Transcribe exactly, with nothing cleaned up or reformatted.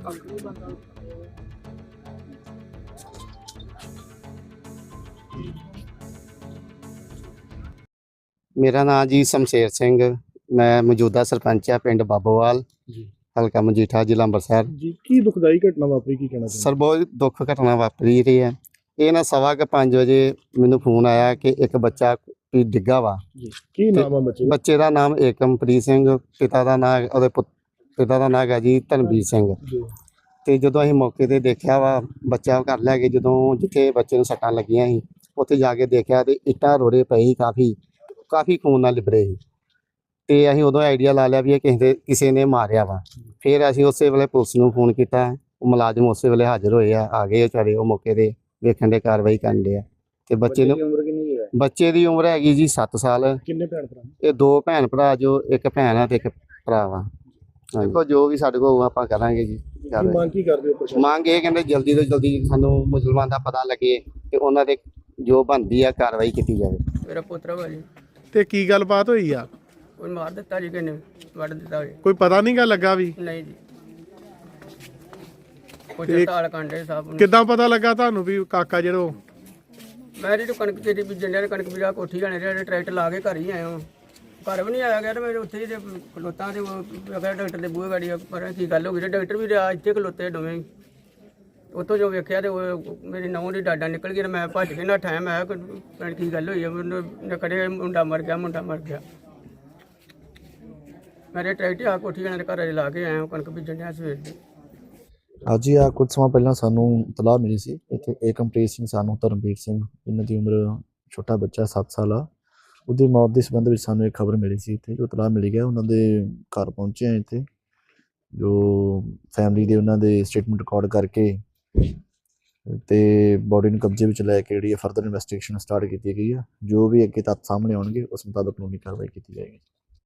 मेरा नाम जी शमशेर सिंह, मैं मौजूदा सरपंच है पिंड बाबोवाल, जी हल्का मजीठा, जिला अंबरसर। जी की दुखदाई घटना वापरी की कहना सर बहुत दुख घटना वापरी रही है। ਇਹ ਨਾ ਸਵਾ ਕੇ ਪੰਜ ਵਜੇ ਮੈਨੂੰ ਫੋਨ ਆਇਆ ਕਿ ਇੱਕ ਬੱਚਾ ਵੀ ਡਿੱਗਾ ਵਾ। ਜੀ ਕੀ ਨਾਮ ਆ ਬੱਚੇ ਦਾ? ਬੱਚੇ ਦਾ ਨਾਮ ਏਕਮਪ੍ਰੀਤ ਸਿੰਘ, ਪਿਤਾ ਦਾ ਨਾਮ ਉਹਦੇ ਪੁੱਤ ਪਿਤਾ ਦਾ ਨਾਮ ਹੈ ਜੀ ਧਨਵੀਰ ਸਿੰਘ। ਜੀ ਤੇ ਜਦੋਂ ਅਸੀਂ ਮੌਕੇ ਤੇ ਦੇਖਿਆ ਵਾ, ਬੱਚਾ ਘਰ ਲੈ ਕੇ ਜਦੋਂ ਜਿੱਥੇ ਬੱਚੇ ਨੂੰ ਸੱਟਾਂ ਲੱਗੀਆਂ ਸੀ ਉੱਥੇ ਜਾ ਕੇ ਦੇਖਿਆ ਤੇ ਇੱਟਾਂ ਰੋੜੇ ਪਏ ਸੀ, ਕਾਫੀ ਕਾਫੀ ਖੂਨ ਨਾਲ ਲਿਬੜੇ ਸੀ। ਤੇ ਅਸੀਂ ਉਦੋਂ ਆਈਡੀਆ ਲਾ ਲਿਆ ਵੀ ਇਹ ਕਿਸੇ ਦੇ ਕਿਸੇ ਨੇ ਮਾਰਿਆ ਵਾ। ਫਿਰ ਅਸੀਂ ਉਸੇ ਵੇਲੇ ਪੁਲਿਸ ਨੂੰ ਫੋਨ ਕੀਤਾ, ਉਹ ਮੁਲਾਜ਼ਮ ਉਸੇ ਵੇਲੇ ਹਾਜ਼ਰ ਹੋਏ ਆ, ਆ ਗਏ ਵਿਚਾਰੇ ਉਹ ਮੌਕੇ ਤੇ ਵੇਖਣ ਦੇ ਕਾਰਵਾਈ ਕਰਨ ਦੇ ਆ। ਤੇ ਬੱਚੇ ਨੂੰ ਉਮਰ ਕਿੰਨੀ ਹੈ? ਬੱਚੇ ਦੀ ਉਮਰ ਹੈਗੀ ਜੀ ਸੱਤ ਸਾਲ। ਕਿੰਨੇ ਭੈਣ ਭਰਾ? ਇਹ ਦੋ ਭੈਣ ਭਰਾ, ਜੋ ਇੱਕ ਭੈਣ ਆ ਤੇ ਇੱਕ ਭਰਾ ਵਾ। ਦੇਖੋ ਜੋ ਵੀ ਸਾਡੇ ਕੋਲ ਆਪਾਂ ਕਰਾਂਗੇ ਜੀ। ਕੀ ਮੰਗ ਕੀ ਕਰਦੇ ਹੋ ਪ੍ਰਸ਼ਾਸਨ? ਮੰਗ ਇਹ ਕਹਿੰਦੇ ਜਲਦੀ ਤੋਂ ਜਲਦੀ ਸਾਨੂੰ ਮੁਸਲਮਾਨ ਦਾ ਪਤਾ ਲੱਗੇ ਤੇ ਉਹਨਾਂ ਦੇ ਜੋ ਬਣਦੀ ਆ ਕਾਰਵਾਈ ਕੀਤੀ ਜਾਵੇ। ਮੇਰਾ ਪੁੱਤਰ ਵਾ ਜੀ, ਤੇ ਕੀ ਗੱਲਬਾਤ ਹੋਈ ਆ? ਕੋਈ ਮਾਰ ਦਿੱਤਾ ਜੀ, ਕਿਨੇ ਵੱਢ ਦਿੱਤਾ ਜੀ? ਕੋਈ ਪਤਾ ਨਹੀਂ ਗਾ ਲੱਗਾ ਵੀ? ਨਹੀਂ ਜੀ, ਕੋਈ ਤਾਲ ਕਾਂਡੇ ਸਾਹਿਬ ਨੂੰ। ਕਿੱਦਾਂ ਪਤਾ ਲੱਗਾ ਤੁਹਾਨੂੰ ਵੀ ਕਾਕਾ ਜਿਹੜਾ? ਮੈਂ ਜਿਹੜੀ ਕਣਕ ਤੇਰੀ ਬੀਜਣ ਡਿਆ, ਕਣਕ ਬੀਜਾ ਕੋਠੀ ਜਾਣੇ ਜਿਹੜੇ ਟਰੈਕਟਰ ਲਾ ਕੇ ਘਰ ਹੀ ਆਇਆ ਹਾਂ। ਘਰ ਵੀ ਨਹੀਂ ਆਇਆ ਗਿਆ ਤੇ ਮੈਂ ਉੱਥੇ ਹੀ ਤੇ ਖਲੋਤਾ ਤੇ ਉਹ ਅਗਰ ਡਾਕਟਰ ਦੇ ਬੂਹੇ ਗਾੜੀ ਪਰ ਕੀ ਗੱਲ ਹੋ ਗਈ ਤੇ ਡਾਕਟਰ ਵੀ ਰਿਹਾ ਇੱਥੇ ਖਲੋਤੇ ਦੋਵੇਂ ਹੀ। ਉੱਥੋਂ ਜੋ ਵੇਖਿਆ ਤੇ ਉਹ ਮੇਰੀ ਨਹੁੰ ਦੀ ਡਾਡਾ ਨਿਕਲ ਗਈ ਤੇ ਮੈਂ ਭੱਜ ਕੇ ਨੱਠਾ। ਮੈਂ ਕਿਹਾ ਕੀ ਗੱਲ ਹੋਈ ਹੈ? ਮੈਨੂੰ ਕੜੇ ਮੁੰਡਾ ਮਰ ਗਿਆ, ਮੁੰਡਾ ਮਰ ਗਿਆ। ਮੇਰੇ ਟਰੈਕਟਰ ਆ ਕੋਠੀ ਜਾਣੇ ਦੇ ਘਰ ਲਾ ਕੇ ਆਇਆ, ਕਣਕ ਬੀਜਣ ਡਿਆ ਸਵੇਰ ਦੀ। ਅੱਜ ਹੀ ਆ ਕੁਝ ਸਮਾਂ ਪਹਿਲਾਂ ਸਾਨੂੰ ਇਤਲਾਹ ਮਿਲੀ ਸੀ ਇੱਥੇ ਏਕਮਪ੍ਰੀਤ ਸਿੰਘ ਸਾਨੂੰ ਧਰਮਵੀਰ ਸਿੰਘ, ਇਹਨਾਂ ਦੀ ਉਮਰ ਛੋਟਾ ਬੱਚਾ ਸੱਤ ਸਾਲ ਆ, ਉਹਦੀ ਮੌਤ ਦੇ ਸੰਬੰਧ ਵਿੱਚ ਸਾਨੂੰ ਇੱਕ ਖਬਰ ਮਿਲੀ ਸੀ। ਇੱਥੇ ਜੋ ਇਤਲਾਹ ਮਿਲੀ ਗਿਆ ਉਹਨਾਂ ਦੇ ਘਰ ਪਹੁੰਚੇ ਆ। ਇੱਥੇ ਜੋ ਫੈਮਿਲੀ ਦੇ ਉਹਨਾਂ ਦੇ ਸਟੇਟਮੈਂਟ ਰਿਕਾਰਡ ਕਰਕੇ ਤੇ ਬੋਡੀ ਨੂੰ ਕਬਜ਼ੇ ਵਿੱਚ ਲੈ ਕੇ ਜਿਹੜੀ ਫਰਦਰ ਇਨਵੈਸਟੀਗੇਸ਼ਨ ਸਟਾਰਟ ਕੀਤੀ ਗਈ ਆ। ਜੋ ਵੀ ਅੱਗੇ ਤੱਥ ਸਾਹਮਣੇ ਆਉਣਗੇ ਉਸ ਮੁਤਾਬਕ ਕਾਨੂੰਨੀ ਕਾਰਵਾਈ ਕੀਤੀ ਜਾਏਗੀ।